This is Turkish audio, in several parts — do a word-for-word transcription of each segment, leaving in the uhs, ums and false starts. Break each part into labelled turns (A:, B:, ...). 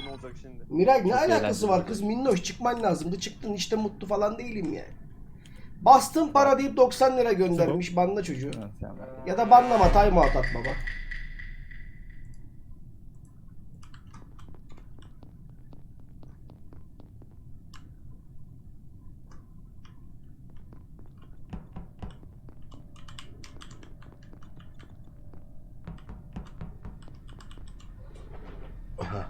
A: ne olacak şimdi?
B: Miray ne
C: Çok
B: alakası
C: eğlenceli.
B: var kız? Minnoş çıkman lazımdı. Çıktın işte, mutlu falan değilim yani. Bastım para deyip doksan lira göndermiş. Banla çocuğu. Ya da banlama, timeout at baba. Aha.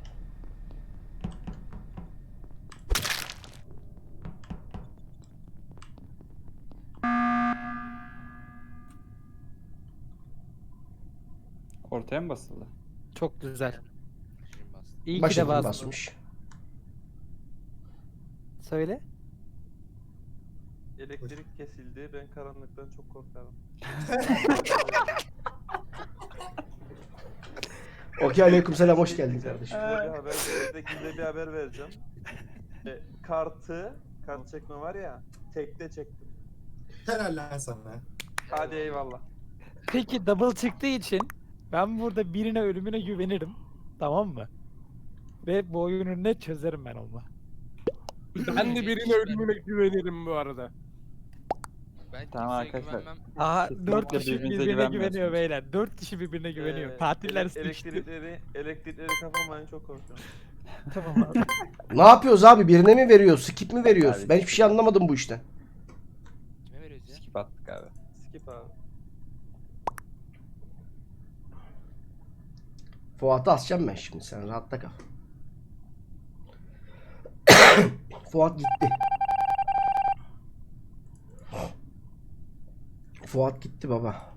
C: Ortaya mı basıldı?
D: Çok güzel. İyi ki
B: Baş
D: de
B: ekim
D: bastın.
B: basmış.
D: Söyle.
A: Elektrik kesildi. Ben karanlıktan çok korkarım.
B: Okey, aleykümselam, hoş geldin
A: Diyeceğim,
B: kardeşim.
A: Size bir haber, size gizli bir haber vereceğim. E, kartı, kart çekme var ya, tekte çektim.
E: Helal lan sana.
A: Hadi eyvallah.
D: Peki double çıktığı için ben burada birine ölümüne güvenirim. Tamam mı? Ve bu oyunu net çözerim ben onunla.
F: Ben de birine ölümüne güvenirim bu arada.
G: Ben
C: Tamam
G: kimseye
C: arkadaşlar.
G: güvenmem.
D: Aha
C: Kesinlikle
D: dört kişi
C: birbirinize
D: birbirine
C: güvenmiyorsunuz.
D: güveniyor beyler. Dört kişi birbirine güveniyor.
A: Ee,
D: Katiller
A: ele-
D: sıkıştı.
A: elektrikleri, elektrikleri kapamayın, çok korkuyorum.
D: Tamam abi.
B: Ne yapıyoruz abi? Birine mi veriyoruz? Skip mi veriyoruz?
C: Abi,
B: Ben hiçbir şey anlamadım bu işten.
G: Kime veriyoruz ya?
C: Skip attık abi.
A: Skip abi.
B: Fuat'ı asacağım ben şimdi, sen rahatta kal. Fuat gitti. Fuat gitti baba.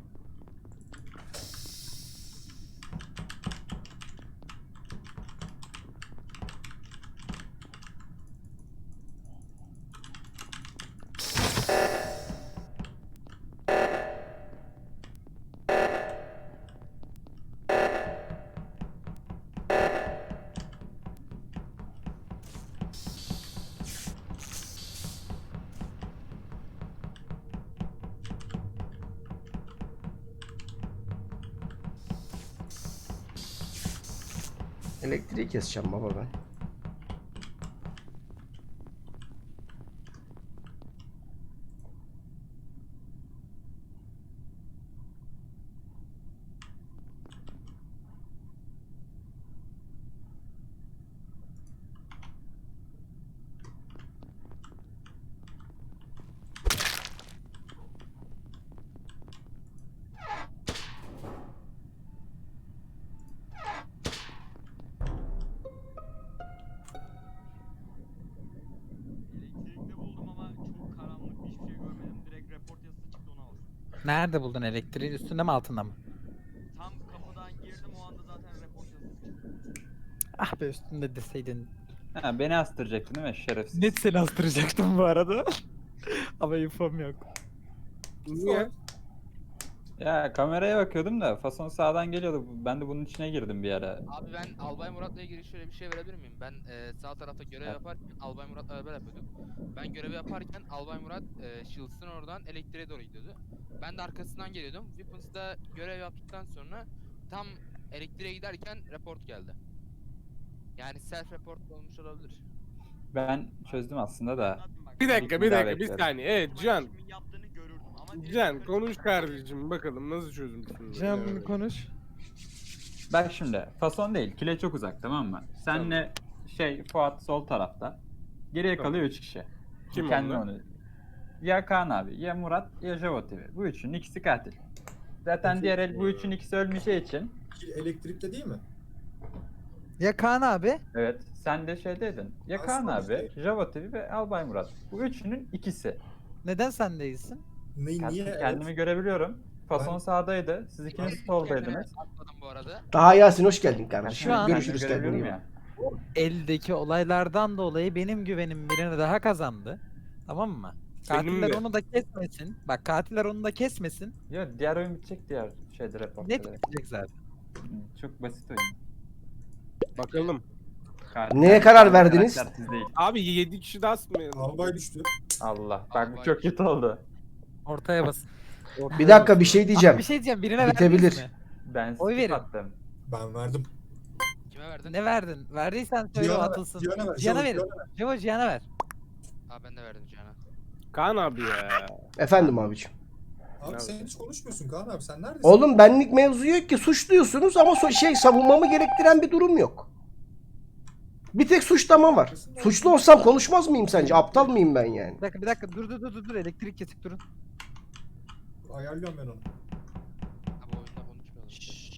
B: Elektriği keseceğim baba ben.
H: Elektrikte buldum ama çok karanlık, hiçbir şey görmedim. Direkt report yazısı çıktı, onu aldım.
D: Nerede buldun elektriği? Üstünde mi altında mı?
H: Tam kapıdan girdim, o anda zaten report yazısı çıktı.
D: Ah be, üstünde deseydin.
C: Ha, beni astıracaktın değil mi şerefsiz?
D: Net seni astıracaktım bu arada. Ama infom yok.
F: Niye?
C: Ya kameraya bakıyordum da fason sağdan geliyordu. Ben de bunun içine girdim bir ara.
G: Abi ben Albay Murat'la ilgili şöyle bir şey verebilir miyim? Ben e, sağ tarafta görev
C: Evet.
G: yaparken Albay Murat'la beraber yapıyorduk. Ben görevi yaparken Albay Murat e, Shields'ın oradan elektriğe doğru gidiyordu. Ben de arkasından geliyordum. Weapons'da görev yaptıktan sonra tam elektriğe giderken report geldi. Yani self report olmuş olabilir.
C: Ben çözdüm aslında da.
H: Anlatın bak.
F: Bir dakika bir
C: Bir daha
F: dakika bir
C: bekliyorum.
F: saniye. Evet Can.
H: Kimin yaptığını görürdüm ama direkt
F: Can
H: yukarı
F: konuş
H: çıkıp-
F: kardeşim bakalım nasıl çözmüşsün.
D: Can
F: Evet.
D: konuş.
C: Bak şimdi fason değil. Kile çok uzak, tamam mı? Senle şey Fuat sol tarafta. Geriye
F: Tamam.
C: kalıyor üç kişi.
F: Kim
C: Kendi
F: onlar?
C: onu. Ya Kaan abi, ya Murat, ya Javo T V. Bu üçünün ikisi katil. Zaten
E: Peki,
C: diğer el bu
E: eee,
C: üçün ikisi ölmeyeceği için.
E: Elektrikte değil mi?
D: Ya Kaan abi?
C: Evet, sen de şeydeydin. Ya Kaan
E: Aslında
C: abi,
E: işte-
C: Javo T V ve Albay Murat. Bu üçünün ikisi.
D: Neden sen değilsin?
E: Ne,
C: Kend-
E: niye?
C: Kendimi
E: Evet.
C: görebiliyorum. Fason
E: Ben-
C: sağdaydı. Siz ikiniz soldaydınız.
G: Atmadım bu arada.
B: Daha Yasin, hoş geldin kardeşim.
D: Şu an-
B: Görüşürüz,
C: Kendimi
B: kendine iyi
C: görebiliyorum
B: bak.
C: ya.
D: Eldeki olaylardan dolayı benim güvenim birine daha kazandı. Tamam mı?
F: Benim
D: Katiller
F: de.
D: onu da kesmesin. Bak katiller onu da kesmesin.
C: Ya diğer oyun bitecek, diğer şeyde raporda.
D: Net bitecek zaten.
C: Çok basit oyun.
F: Bakalım.
C: Katil-
B: Neye karar verdiniz?
C: karakter siz değil.
F: Abi yedi kişi de asmayalım.
E: Albay düştü.
C: Allah. Bak bu
G: Albay
C: çok kötü oldu.
D: Ortaya bas.
B: Bir dakika, bir şey
D: Abi
B: diyeceğim.
D: bir şey diyeceğim. Birine
B: Bitebilir.
D: verdiniz mi?
C: Ben
D: Oy
C: skip
D: verin.
C: attım.
E: Ben verdim.
G: Kime verdin?
D: Ne verdin? Verdiysen söyle o
E: Cihan'a ver,
D: atılsın.
E: Cihan'a ver,
D: Cihan'a
E: Cihan'a
D: verin.
E: ver.
D: Cevo Cihan'a ver.
G: Aa ben de verdim Cihan'a.
F: Kaan abi ya.
B: Efendim abicim.
E: Abi sen hiç konuşmuyorsun Kaan abi, sen neredesin?
B: Oğlum benlik mevzu yok ki, suçluyorsunuz ama so- şey savunmamı gerektiren bir durum yok. Bir tek suçlama var. Suçlu olsam konuşmaz mıyım sence? Aptal mıyım ben yani?
D: Bir dakika bir dakika dur dur dur dur dur elektrik kesik durun.
E: Ayarlıyorum ben onu.
G: Abi oyunda konuşmayalım.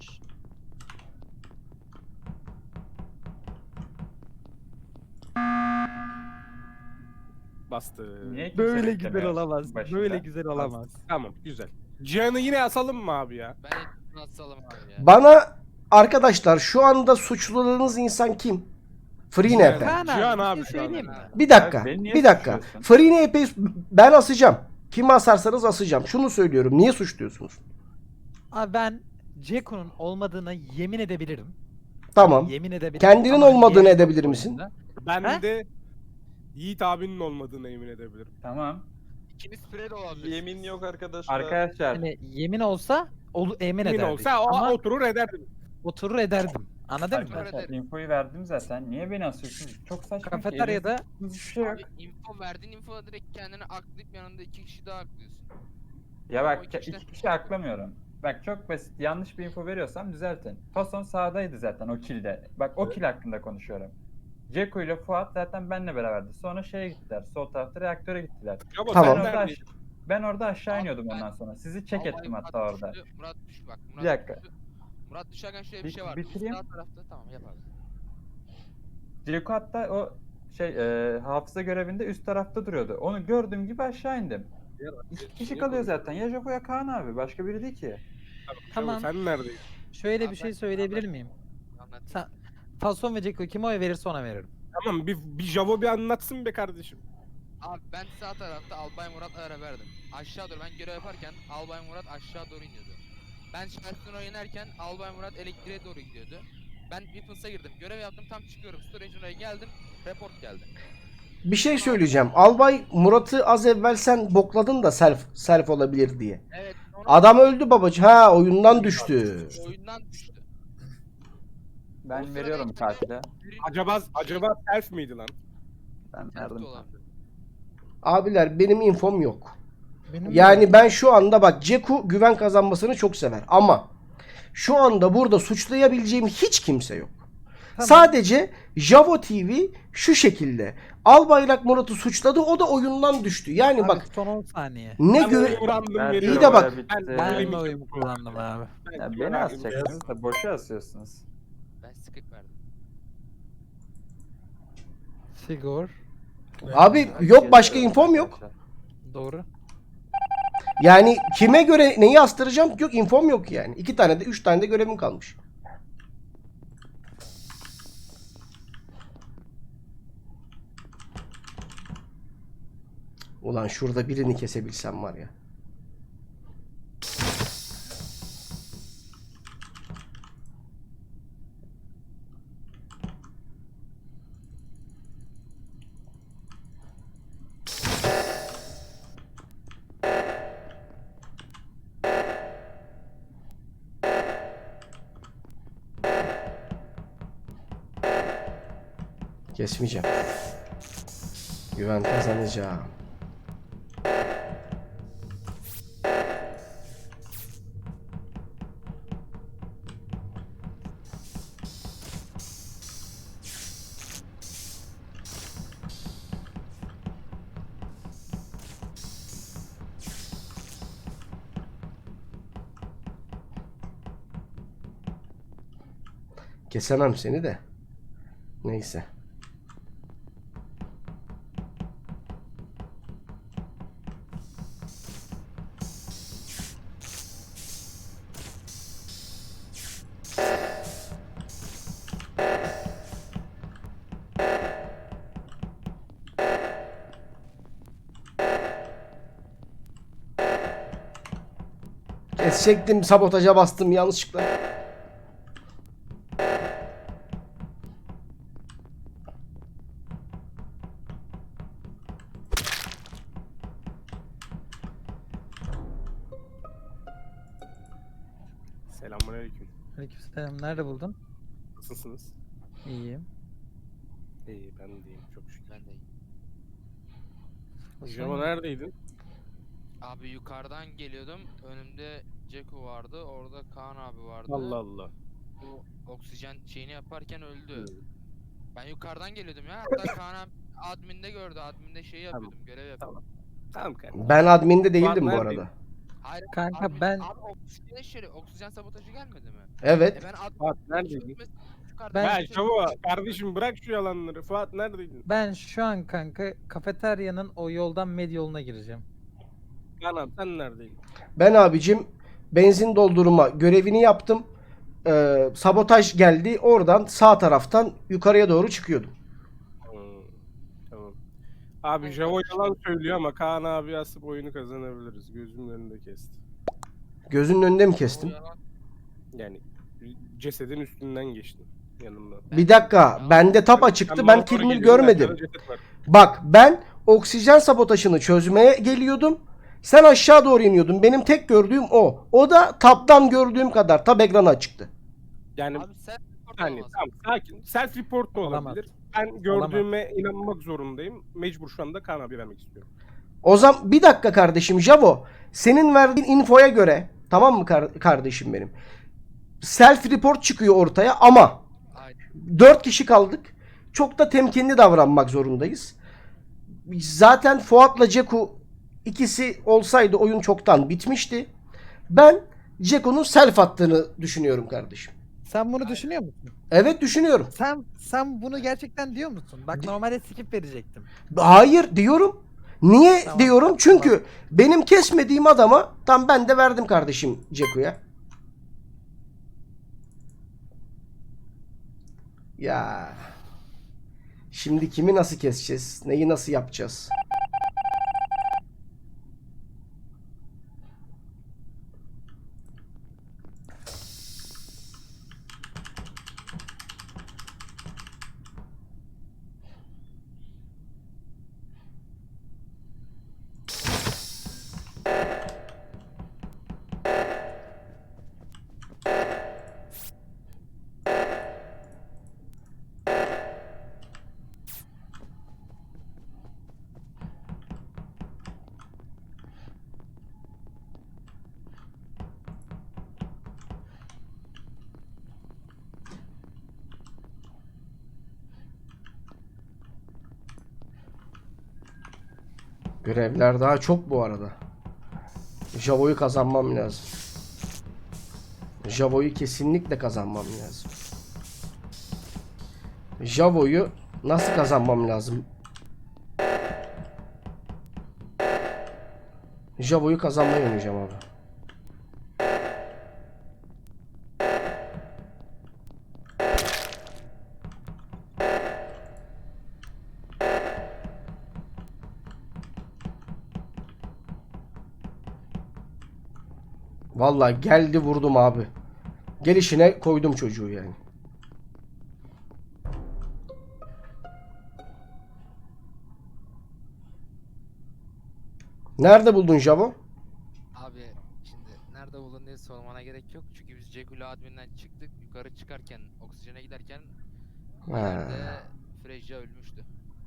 F: Bastı.
C: Niye kimse
D: Böyle
C: beklemiyor
D: güzel olamaz.
C: başında?
D: Böyle güzel olamaz.
F: Tamam güzel. Cihan'ı yine asalım mı abi ya?
G: Ben hep asalım abi ya.
B: Bana arkadaşlar şu anda suçladığınız insan kim? Free
F: Cihan.
B: N P.
D: Kaan
F: Cihan
D: abi,
F: abi
D: bir şey
F: şu an.
D: söyleyeyim mi?
B: Bir dakika.
C: Abi beni niye
B: Bir dakika.
C: suçluyorsun?
B: Free N P'yi ben asacağım. Kimi asarsanız asacağım. Şunu söylüyorum. Niye suçluyorsunuz?
D: Abi ben Ceko'nun olmadığına yemin edebilirim.
B: Tamam.
D: Yemin edebilirim.
B: Kendinin
D: Ama
B: olmadığını
D: yemin
B: edebilir
D: yok
B: misin?
D: oyunda.
F: Ben
D: He?
F: de Yiğit abinin olmadığına emin edebilirim.
C: Tamam.
G: İkiniz spray de olabilir.
A: Yemin yok arkadaşlar.
C: Arkadaşlar
D: Hani yemin olsa olu, emin
F: Emin
D: ederdik.
F: olsa o
D: Ama
F: oturur ederdim.
D: oturur ederdim. Anladın mı?
C: Arkadaşlar
G: ederim.
C: infoyu verdim zaten. Niye beni asıyorsunuz? Çok saçma. ki,
D: Kafeteryada
C: elinizde hiçbir şey yok.
G: Abi info verdin info direkt kendini aklayıp yanında iki kişi daha aklıyorsun.
C: Ya
G: O
C: bak
G: iki işte.
C: iki kişi aklamıyorum. Bak çok basit. Yanlış bir info veriyorsam düzeltin. Fason sağdaydı zaten o kilde. Bak o kill hakkında konuşuyorum. Ceko ile Fuat zaten benle beraberdi. Sonra şeye gittiler. Sol tarafta reaktöre gittiler.
F: Ama
B: Tamam.
C: Ben
F: sen
C: orada,
F: neredeydin?
C: aş- ben orada aşağı
G: Abi
C: iniyordum
G: ben-
C: ondan sonra. Sizi çek
G: Albay
C: ettim
G: Murat
C: hatta orada.
G: düştü, Murat düş bak. Murat
C: Bir dakika.
G: düştü. Murat düşerken şöyle bir
C: Bir-
G: şey vardı.
C: bitireyim.
G: Sağ tarafta tamam yap abi.
C: Ceko hatta o şey e, hafıza görevinde üst tarafta duruyordu. Onu gördüğüm gibi aşağı indim. İki kişi kalıyor zaten. Ya Joko ya Kaan abi. Başka biri değil ki.
D: Tamam.
F: Sen neredeydin?
D: şöyle
G: Abi
D: bir şey
G: ben-
D: söyleyebilir miyim?
G: Anlat.
D: Sen Fason ve Ceko kime oy verirse ona veririm.
F: Tamam bir, bir Javo bir anlatsın be kardeşim.
G: Abi ben sağ tarafta Albay Murat'la beraberdim. Aşağı doğru ben görev yaparken Albay Murat aşağı doğru iniyordu. Ben şarkını oynarken Albay Murat elektriğe doğru gidiyordu. Ben Weapons'a girdim. Görev yaptım tam çıkıyorum. Storage oraya geldim. Report geldi.
B: Bir şey söyleyeceğim. Albay Murat'ı az evvel sen bokladın da self self olabilir diye.
G: Evet. sonra
B: Adam öldü babacı. Ha, oyundan düştü.
G: oyundan düştü. O
C: Ben
G: sırada
C: veriyorum
G: işte
C: katile.
G: Birin-
F: Acaba acaba self miydi lan?
C: Ben
G: Ters de
C: verdim.
G: olabilir.
B: Abiler benim infom yok.
D: Benim
B: Yani ben şu anda bak Ceku güven kazanmasını çok sever ama şu anda burada suçlayabileceğim hiç kimse yok.
D: Tamam.
B: Sadece Javo T V şu şekilde. Albayrak Murat'ı suçladı, o da oyundan düştü. Yani
D: Abi
B: bak
D: son on saniye.
B: ne
F: Ben
B: göre...
F: oyumu random
C: Ben
F: veriyorum.
B: İyi de bak.
C: Bitti.
F: Ben-
D: Ben
F: Öyle
D: de
F: mi?
D: oyumu kullandım abi.
C: Ya
F: Ben-
C: beni
F: ben-
C: asacaksınız da boşa asıyorsunuz.
G: Ben skip verdim.
D: Sigor.
B: Abi yok, başka infom yok.
D: Doğru.
B: Yani kime göre neyi astıracağım yok, infom yok yani. İki tane de üç tane de görevim kalmış. Ulan şurada birini kesebilsem var ya. Kesmeyeceğim. Güven kazanacağım. Kesemem seni de. Neyse. Kesecektim, sabotaja bastım yanlışlıkla.
F: Selamünaleyküm.
D: Aleykümselam. Nerede buldun?
F: Nasılsınız?
D: İyiyim.
F: İyi ben deyim çok şükür.
G: Ben de iyiyim.
F: Java neredeydin?
G: Abi yukarıdan geliyordum. Önümde Ceku vardı. Orada Kaan abi vardı.
F: Allah Allah.
G: Bu oksijen şeyini yaparken öldü.
F: Hı.
G: Ben yukarıdan geliyordum ya. Hatta Kaan abi adminde gördü. Adminde şeyi
F: Tamam,
G: yapıyordum. Görev yapıyordum.
F: Tamam. Tamam kardeşim.
B: Ben adminde değildim bu
F: neredeyim?
B: arada.
G: Hayır,
D: Kanka
G: admin-
D: ben-
G: Abi oksijen şöyle oksijen sabotajı gelmedi mi?
B: Evet.
G: E ben ad-
F: Fuat neredeydin?
G: Yukarıdan
D: Ben-
F: Ya
G: geçiyordum.
F: Java kardeşim bırak şu yalanları. Fuat neredeydin?
D: Ben şu an kanka kafeteryanın o yoldan med yoluna gireceğim.
F: Kaan'ım sen neredeydin?
B: Ben abicim benzin doldurma görevini yaptım. Ee, sabotaj geldi. Oradan sağ taraftan yukarıya doğru çıkıyordum.
F: Hmm, tamam. Abi Java yalan söylüyor ama Kaan abi asıp oyunu kazanabiliriz. Gözümün önünde kesti.
B: Gözünün önünde mi kestim?
G: O yalan-
F: Yani cesedin üstünden geçtin yanımdan.
B: Bir dakika. Bende tapa çıktı.
F: Sen
B: Ben
F: bana doğru
B: kill
F: geliyordun,
B: görmedim.
F: arkada ceset var.
B: Bak ben oksijen sabotajını çözmeye geliyordum. Sen aşağı doğru iniyordun. Benim tek gördüğüm o. O da tabdan gördüğüm kadar. Tab ekranı çıktı.
F: Yani
G: Abi sen
F: yani tamam sakin. Self report da
D: Olamaz.
F: olabilir. Ben gördüğüme inanmak zorundayım. Mecbur şu anda Kaan abi vermek istiyorum.
B: O zaman bir dakika kardeşim Javo. Senin verdiğin infoya göre tamam mı kar- kardeşim benim? Self report çıkıyor ortaya ama
G: Aynen.
B: dört kişi kaldık. Çok da temkinli davranmak zorundayız. Zaten Fuat'la Ceku ikisi olsaydı oyun çoktan bitmişti. Ben Ceku'nun self attığını düşünüyorum kardeşim.
D: Sen bunu düşünüyor musun?
B: Evet düşünüyorum.
D: Sen sen bunu gerçekten diyor musun? Bak normalde skip verecektim.
B: Hayır diyorum. Niye
D: Tamam,
B: diyorum?
D: tamam.
B: Çünkü benim kesmediğim adama tam ben de verdim kardeşim Ceku'ya. Ya. Şimdi kimi nasıl keseceğiz? Neyi nasıl yapacağız? Görevler daha çok bu arada. Javo'yu kazanmam lazım. Javo'yu kesinlikle kazanmam lazım. Javo'yu nasıl kazanmam lazım? Javo'yu kazanmayı oynayacağım abi. Vallahi geldi vurdum abi. Gelişine koydum çocuğu yani. Nerede buldun Javo?
G: Abi şimdi nerede buldun diye sormana gerek yok. Çünkü biz Cekula adminden çıktık. Yukarı çıkarken oksijene giderken
B: Ha.
G: yerde Frejia ölmüştü.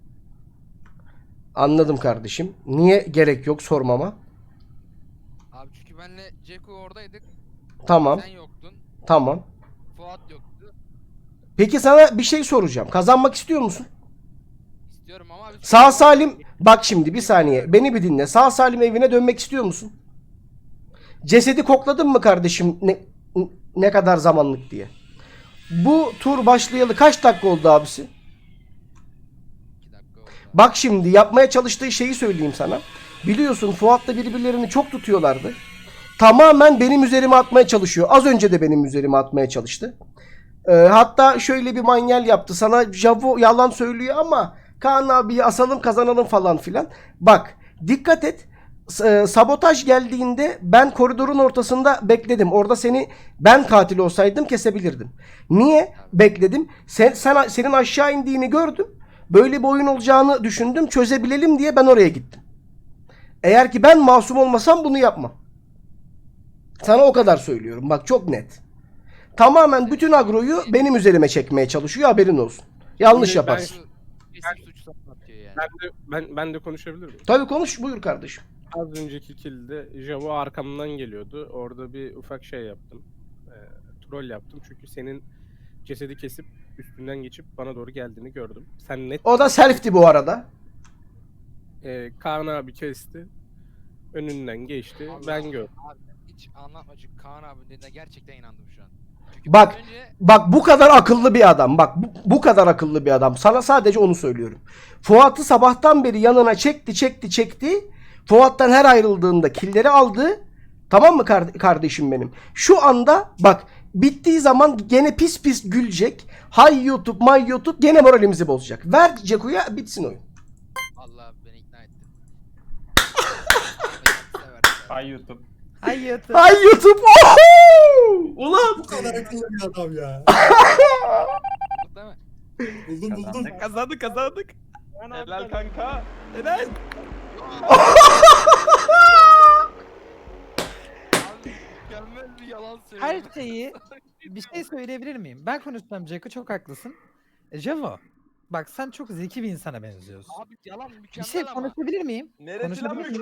B: Anladım kardeşim. Niye gerek yok sormama?
G: Abi çünkü benle Ceku oradaydık.
B: Tamam.
G: Sen yoktun.
B: Tamam.
G: Fuat yoktu.
B: Peki sana bir şey soracağım. Kazanmak istiyor musun?
G: İstiyorum ama abi
B: Sağ salim bak şimdi bir saniye beni bir dinle. Sağ salim evine dönmek istiyor musun? Cesedi kokladın mı kardeşim ne, ne kadar zamanlık diye. Bu tur başlayalı kaç dakika oldu abisi?
G: iki dakika oldu.
B: Bak şimdi yapmaya çalıştığı şeyi söyleyeyim sana. Biliyorsun Fuat'la birbirlerini çok tutuyorlardı. Tamamen benim üzerime atmaya çalışıyor. Az önce de benim üzerime atmaya çalıştı. Ee, hatta şöyle bir manyel yaptı. Sana Javo yalan söylüyor ama Kaan abiyi asalım kazanalım falan filan. Bak dikkat et. S- e, sabotaj geldiğinde ben koridorun ortasında bekledim. Orada seni ben katil olsaydım kesebilirdim. Niye bekledim? Sen, sen senin aşağı indiğini gördüm. Böyle bir oyun olacağını düşündüm. Çözebilelim diye ben oraya gittim. Eğer ki ben masum olmasam bunu yapmam. Sana o kadar söylüyorum. Bak çok net. tamamen bütün agroyu benim üzerime çekmeye çalışıyor, haberin olsun. Yanlış
F: Ben-
B: yaparsın.
G: Kesin suç atıyor yani.
F: Ben de, ben, ben de konuşabilir miyim?
B: Tabii konuş, buyur kardeşim.
F: Az önceki kilde Javo arkamdan geliyordu. Orada bir ufak şey yaptım. E, troll yaptım. Çünkü senin cesedi kesip üstünden geçip bana doğru geldiğini gördüm. Sen net...
B: O da self'ti bu arada.
F: E, Kaan abi kesti. Önünden geçti.
G: Allah
F: Ben
G: Allah.
F: gördüm.
G: Abi hiç anlatma çünkü Kaan abi dediğine gerçekten inandım şu an. Çünkü
B: Bak,
G: az önce
B: Bak bu kadar akıllı bir adam. Bak bu, bu kadar akıllı bir adam. Sana sadece onu söylüyorum. Fuat'ı sabahtan beri yanına çekti, çekti, çekti. Fuat'tan her ayrıldığında killeri aldı. Tamam mı kar- kardeşim benim? Şu anda bak bittiği zaman gene pis pis gülecek. Hay YouTube, may YouTube gene moralimizi bozacak. Ver Ceku'ya bitsin oyun.
G: Allah beni ikna etti.
C: Ay YouTube.
D: Ay yatı.
B: Hay YouTube. Oho! Ulan.
E: Bu kadar akıllı bir adam ya.
G: Değil mi?
E: Buldum buldum.
C: Kazandık.
D: Kazandık kazandık.
A: Helal kanka.
D: Helal.
G: Abi mükemmel bir yalan söylüyor.
D: Her şeyi bir şey söyleyebilir miyim? Ben konuşacağım Ceko, çok haklısın. E, Javo, bak sen çok zeki bir insana benziyorsun.
G: Abi yalan mükemmel
D: Bir şey
G: ama.
D: konuşabilir miyim?
A: Neresi lan
D: Konuşabilir
A: mükemmel?
D: miyim?